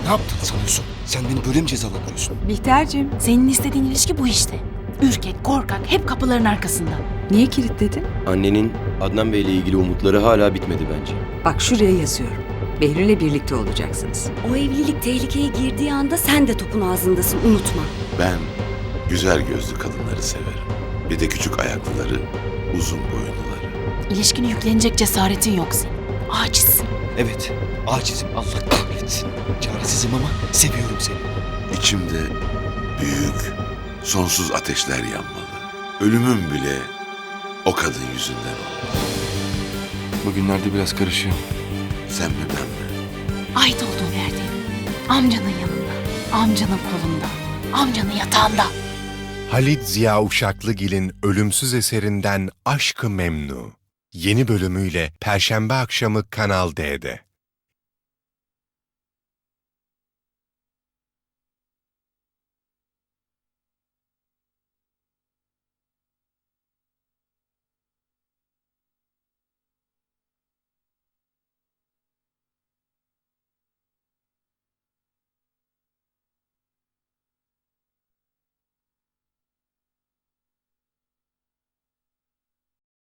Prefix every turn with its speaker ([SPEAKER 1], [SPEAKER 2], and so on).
[SPEAKER 1] Ne yaptın sanıyorsun? Sen beni böyle mi cezalandırıyorsun?
[SPEAKER 2] Bihter'cim,
[SPEAKER 3] Senin istediğin ilişki bu işte. Ürkek, korkak, hep kapıların arkasında.
[SPEAKER 2] niye kilitledin?
[SPEAKER 4] Annenin Adnan Bey'le ilgili umutları hala bitmedi bence.
[SPEAKER 2] Bak şuraya yazıyorum. Behlül'le birlikte olacaksınız.
[SPEAKER 5] O evlilik tehlikeye girdiği anda sen de topun ağzındasın, unutma.
[SPEAKER 6] Ben güzel gözlü kadınları severim. Bir de küçük ayaklıları, uzun boyunluları.
[SPEAKER 3] İlişkine yüklenecek cesaretin yok senin. Acizsin.
[SPEAKER 1] Evet, acizim. Allah kahretsin. Çaresizim ama seviyorum seni.
[SPEAKER 6] İçimde büyük, sonsuz ateşler yanmalı. Ölümüm bile o kadın yüzünden oldu.
[SPEAKER 7] Bugünlerde biraz karışıyor.
[SPEAKER 6] Sen mi ben mi?
[SPEAKER 3] Ait olduğun yerde. Amcanın yanında. Amcanın kolunda. Amcanın yatağında.
[SPEAKER 8] Halit Ziya Uşaklıgil'in ölümsüz eserinden Aşk-ı Memnu. Yeni bölümüyle Perşembe akşamı Kanal D'de.